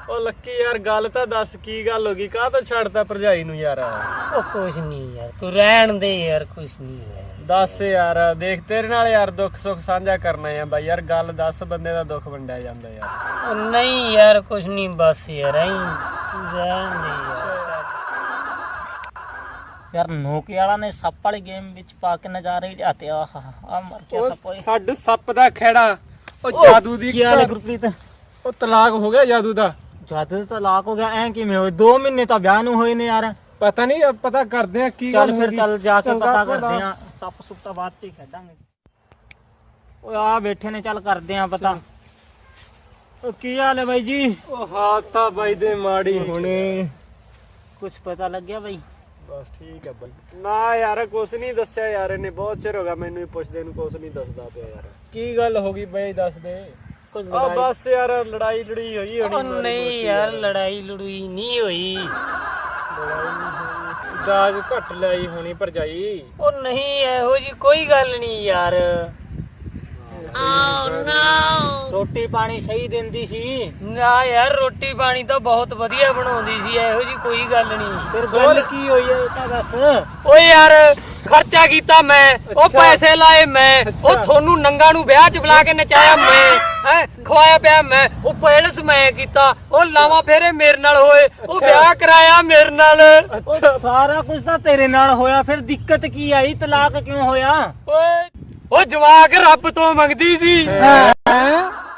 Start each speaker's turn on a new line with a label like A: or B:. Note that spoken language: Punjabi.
A: ਉਹ ਲੱਕੀ ਯਾਰ ਗੱਲ ਤਾਂ ਦੱਸ ਕੀ ਗੱਲ ਹੋ ਗਈ ਕਾਹ ਤੋਂ ਛੱਡਦਾ ਭਰਜਾਈ ਨੂੰ ਯਾਰ
B: ਉਹ ਕੁਛ ਨਹੀਂ ਯਾਰ ਤੂੰ ਰਹਿਣ ਦੇ ਯਾਰ ਕੁਛ ਨਹੀਂ
A: ਦੱਸ ਯਾਰ ਦੇਖ ਤੇਰੇ ਨਾਲ ਯਾਰ ਦੁੱਖ ਸੁੱਖ ਸਾਂਝਾ ਕਰਨਾ ਆ ਬਾਈ ਯਾਰ ਗੱਲ ਦੱਸ ਬੰਦੇ ਦਾ ਦੁੱਖ ਵੰਡਿਆ ਜਾਂਦਾ ਯਾਰ
B: ਉਹ ਨਹੀਂ ਯਾਰ ਕੁਛ ਨਹੀਂ ਬਸ ਯਾਰ ਐਂ ਤੂੰ ਰਹਿਣ ਦੇ ਯਾਰ ਨੋਕੀ ਵਾਲਾ ਨੇ ਸੱਪ ਵਾਲੀ ਗੇਮ ਵਿੱਚ ਪਾ ਕੇ ਨਜ਼ਾਰੇ ਹੀ ਲਿਆਤੇ ਆ ਮਰ ਗਿਆ ਸੱਪ ਓਏ
A: ਛੱਡ ਸੱਪ ਦਾ ਖੇੜਾ ਉਹ ਜਾਦੂ ਦੀ
B: ਕੀ ਹਾਲ ਹੈ ਗੁਰਪ੍ਰੀਤ
A: ਉਹ ਤਲਾਕ ਹੋ ਗਿਆ ਜਾਦੂ ਦਾ
B: ਜਦ ਤਲਾਕ ਹੋ ਗਿਆ ਐ ਕਿਵੇਂ ਹੋਏ 2 ਮਹੀਨੇ ਤਾਂ ਵਿਆਹ ਨੂੰ ਹੋਏ ਨੇ ਯਾਰ
A: ਪਤਾ ਨਹੀਂ ਪਤਾ ਕਰਦੇ ਆ ਕੀ
B: ਚੱਲ ਫਿਰ ਚੱਲ ਜਾ ਕੇ ਪਤਾ ਕਰਦੇ ਆ ਸੱਪ ਸੁੱਪ ਤਾਂ ਬਾਅਦ ਚ ਹੀ ਖੇਡਾਂਗੇ ਓਏ ਆ ਬੈਠੇ ਨੇ ਚੱਲ ਕਰਦੇ ਆ ਪਤਾ ਉਹ ਕੀ ਹਾਲ ਹੈ ਬਾਈ ਜੀ
A: ਉਹ ਹਾਲਤ ਤਾਂ ਬਾਈ ਦੇ ਮਾੜੀ ਹੁਣੇ
B: ਕੁਛ ਪਤਾ ਲੱਗਿਆ ਬਾਈ
A: ਬਸ ਠੀਕ ਹੈ ਬਾਈ ਨਾ ਯਾਰ ਕੁਛ ਨਹੀਂ ਦੱਸਿਆ ਯਾਰ ਇਹਨੇ ਬਹੁਤ ਚਿਰ ਹੋ ਗਿਆ ਮੈਨੂੰ ਵੀ ਪੁੱਛਦੇ ਨੂੰ ਕੁਛ ਨਹੀਂ ਦੱਸਦਾ ਪਿਆ ਯਾਰ ਕੀ ਗੱਲ ਹੋ ਗਈ ਬਾਈ ਦੱਸ ਦੇ ਆ ਬਸ ਯਾਰ ਲੜਾਈ ਲੜੀ ਹੋਈ
B: ਉਹ ਨਹੀਂ ਯਾਰ ਲੜਾਈ ਲੜੂਈ ਨਹੀਂ ਹੋਈ
A: ਦਾਜ ਘੱਟ ਲਈ ਹੋਣੀ ਭਰਜਾਈ
B: ਉਹ ਨਹੀਂ ਇਹੋ ਜੀ ਕੋਈ ਗੱਲ ਨਹੀਂ ਯਾਰ ਰੋਟੀ ਪਾਣੀ ਸਹੀ ਦਿੰਦੀ ਸੀ ਨਾ ਯਾਰ ਰੋਟੀ ਪਾਣੀ ਤਾਂ ਬਹੁਤ ਵਧੀਆ ਬਣਾਉਂਦੀ ਸੀ ਇਹੋ ਜੀ ਕੋਈ ਗੱਲ ਨਹੀਂ ਫਿਰ ਗੱਲ ਕੀ ਹੋਈ ਹੈ ਇਹ ਤਾਂ ਦੱਸ ਓਏ ਯਾਰ ਖਰਚਾ ਕੀਤਾ ਮੈਂ ਉਹ ਪੈਸੇ ਲਾਏ ਮੈਂ ਉਹ ਤੁਹਾਨੂੰ ਨੰਗਾ ਨੂੰ ਵਿਆਹ 'ਚ ਬੁਲਾ ਕੇ ਨਚਾਇਆ ਮੈਂ ਹੈ ਖਵਾਇਆ ਪਿਆ ਮੈਂ ਉਹ ਪੈਲਸ ਮੈਂ ਕੀਤਾ ਉਹ ਲਾਵਾਂ ਫੇਰੇ ਮੇਰੇ ਨਾਲ ਹੋਏ ਉਹ ਵਿਆਹ ਕਰਾਇਆ ਮੇਰੇ ਨਾਲ ਸਾਰਾ ਕੁਝ ਤਾਂ ਤੇਰੇ ਨਾਲ ਹੋਇਆ ਫਿਰ ਦਿੱਕਤ ਕੀ ਆਈ ਤਲਾਕ ਕਿਉਂ ਹੋਇਆ ਓਏ ਉਹ ਜਵਾਕ ਰੱਬ ਤੋਂ ਮੰਗਦੀ ਸੀ